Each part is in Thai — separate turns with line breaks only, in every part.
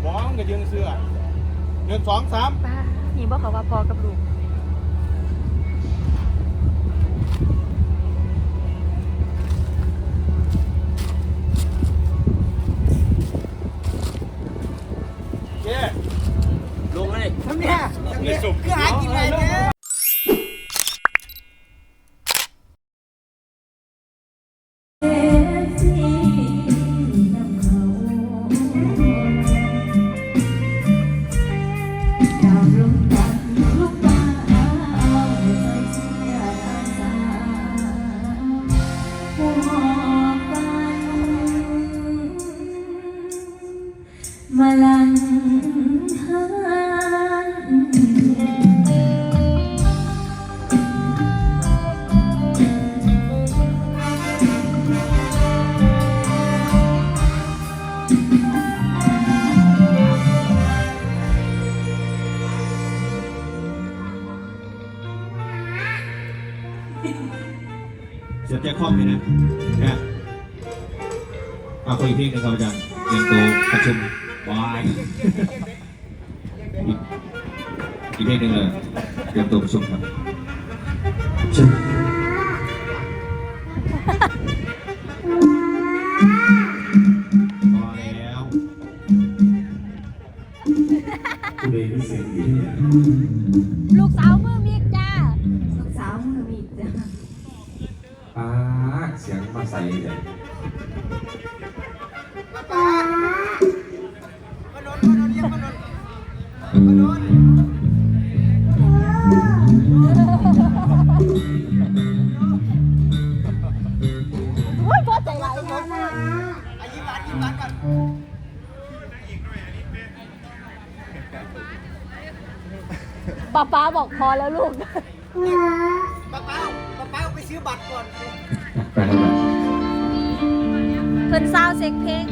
มองก็ยืนเสื้อ1 2 3
ป้านี่บอกเขาว่าพอกับลูก
ลงเลย
ทำเนี่ยคือหากินอะไรเนี่ยมาลังห
เสียบแจ็คคอมเลยนะเอาคุยเพลงหนึ่งครับอาจารย์เตรียมตัวประชุมวายอีกเพลงหนึ่งเลยเตรียมตัวประชุมครับชุมพอแล้วคุณเองเสียงดีเนี่ย
ลูกสาวมือมีจ้า
ลูกสาวมือมีจ้ะ
เสียงมาใส่เลย
โอ้ยพ่อใจร้ายมาก
ยิ้มหวานก่อน
ป้าบอกพอแล้วลูก
ป้าไปซื้อบัตรก่อน
ไปแล้ว
เพิ่นซาวเซ็กเพลง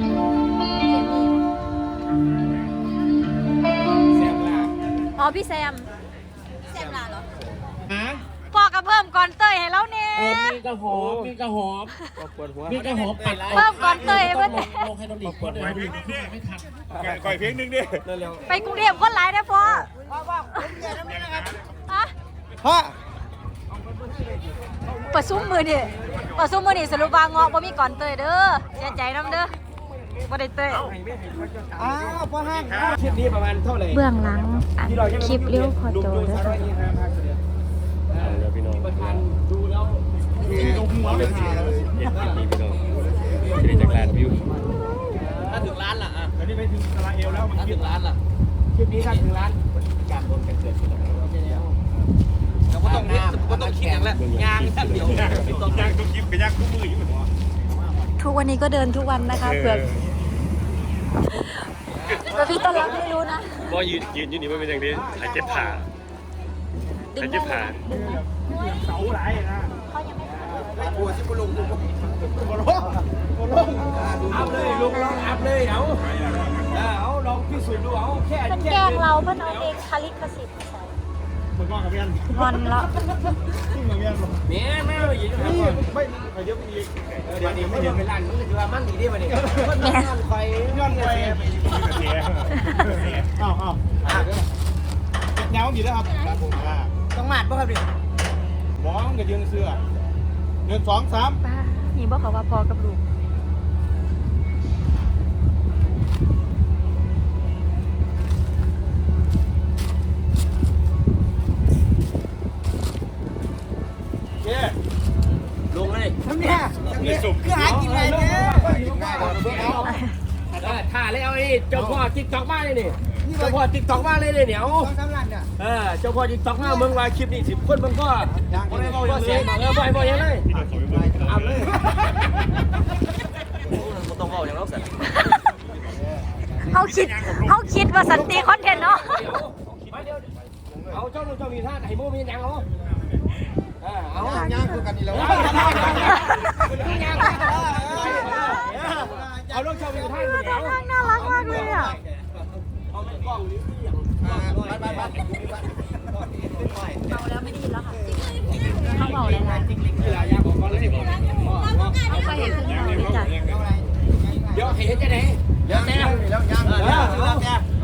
อ๋อพี่แซมลาเหรอพอกับเพิ่มก่อนเตยให้แล้วเนี่ย
มีกระหอบมีกระหอบปัด
เพิ่มก่อนเตยเพิ่น
ลงให้เราดีกว่าเดี๋ยวเราดีไม่ทัน
ก่อยเพลงหนึ่งดิ
ไปกรุงเทพคนหลายได้พ่อ
ผมเจอแล้วนี่นะครับ
ฮะ
พ่อ
ประชุมมือนี่สรุปว่าเงาะบ่มีก่อนเตยเด้อเสียใจน้ำเด้อบ่ได้เตย
พ่อห้าง
คลิปนี้ประมาณเท่าไหร่
เบื้องหลังคลิปเลี้ยวพอโจเด้อค่ะ
พี่น้องดูแล้วลงหัวไม่ขาดเลยพี่น้องจะได้จากล้านวิวถ้าถึงล้านล่ะตอนนี้ไปถึงอิสราเอลแล้วถ้าถึงล้านล่ะคลิปนี้ถ้าถึงล้านการโดนกันเกิดขึ้นแล้วก็ต้องคิดอย่างละยางท่านเดียวต้องยางต้องคิดกับยางทุกมืออยู่
ทุกวันนี้ก็เดินทุกวันนะคะเผื่อพี่ต้นรับไม่รู้นะ
ก็ยืนอยู่นี่ไม่เป็นอย่างนี้หายเจ็บขาหายเจ็บขาเสาไหลนะปวดที่บุลุงอัพเลยลุงลองอัพเลยเอาลองพิสูจน์ดูเอาแค่
มันแกล้งเราเพื่อนเอาเองคลิกสิทธิ์
มันงอนกับเมียน
งอนแล้ว
ขึ้นกับเมียน
แม่ไม่ยิน
ไม่ไปเยอะอีก
เดี๋ยวนี้ไม่เดินไปร้านมันจะว่ามันดีได้ป่ะเนี่ยมันไฟย้อนไฟ
อ้าวแนวมีแล้วครับ
ต้องมาดป่ะครับดิ
มองก็ยืนเสื้อ1 2 3
ป้านี่บอกเขาว่าพอกับลูก
ลงเลย
ทำเนี่ยคือหากินอะไรเนี่ย
ถ่ายเลยเอาไอ้เจ้าพ่อติ๊กต็อกมาเลยนี่เจ้าพ่อติ๊กต็อกมาเลยเนี่ย
ต้องทำร้านเนี่ย
เจ้าพ่อติ๊กต็อกมาเมืองว่าคลิปนี้10 คนมันก็เสียงบ่อยเลยอัพเลยต้องเอาอย่างนั้นสิ
เขาคิดว่าสันติคอนเทนต์เนาะ
เอาเจ้าลูกเจ้ามีท่าไหนโมมีอย่างเอา
ย่างคือกันนี่แล้ว
เอาลูกเจ้ามีท่าไหนเอา
น่ารักมากเลยอ่ะ
เอาไม่กล้องหรืออย่างไป
เมาแล้วไม่ได้ยินแล้วค่ะเขาเมาแล้วนะเขาเคยเห็นเพิ่งเมาเลยจ้ะ
เดี๋ยวเห็นจะไหนเดี๋ยวแน่
แล้วย่าง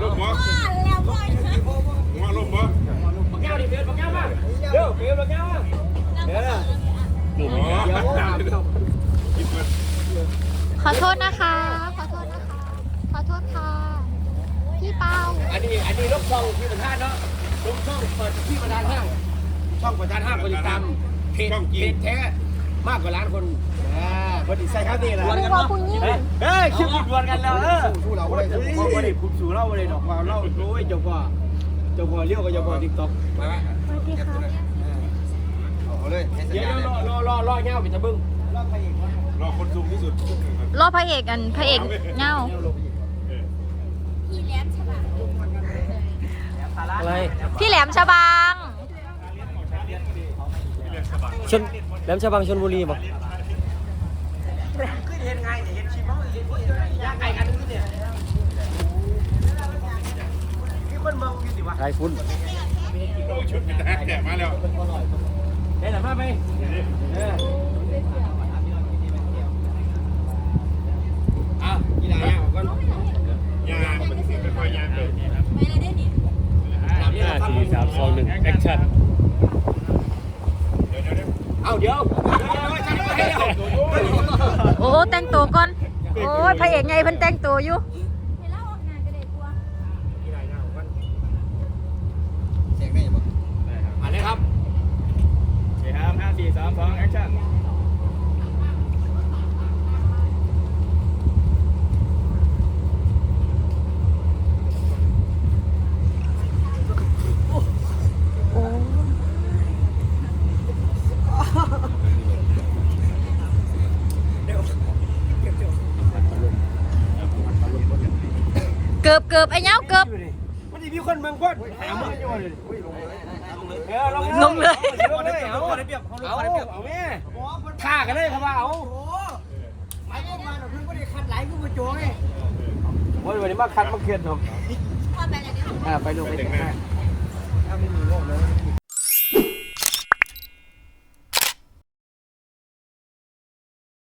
ขอโทษนะคะ ขอโทษนะคะ ขอโทษค่ะ พี่เปา
อันนี้ลูกช่องที่ประธานเนาะลูกช่องเปิดที่ประธานห้างช่องประธานห้างคนติดตามเพจแท้มากกว่าล้านคนคนติดใส่ครับนี่แหละ
คุณว่าคุณยิ่ง
เฮ้ยคิวดวลกันแล้วสู้เราเลยพอได้คุณสู่เราเลยดอกความเล่าโอ้ยเจ้าพ่อเลี้ยวกับเจ้าพ่อติ๊กต็อก
สวัสดีค่ะ
เอาเลย
เดี๋ยวรอเงี้ยไปจะบึ้ง
รอคนสูงที่สุด
รอบพระเอกเงา
อะไร
พี่แหลมฉบัง
แหลมฉบังชลบุรีบอกไทยฟุ้น
ชุดเป็นทหารแก่มาแล้ว
เฮ้ยหลังมาไปกีฬาเนี่ยก่อน
ยาเป็นค่อยยาเลย
5 4 3 2 1 แอคชั่นเอาเดี๋ยว
โอ้แต่งตัวก่อน โอ้ยพระเอกไงเพิ่นแต่งตัวอยู่
เสียงได้ยังบ่
มาเลยครับ5 4 3 2 แอคชั่น
เกือบไอ้เงาเกือบ
มันจะมีคนเมืองก้นหาเมืองอยู่เลยลงเลยเอาแม่ฆ่ากันเลยครับว่าเอา
ไปก็มาหน่อยเพิ่งก็ได้คัดไหลกูมาโจ้ไง
วันนี้มาคัดมาเขียนผมไปลงไปแต่งหน้า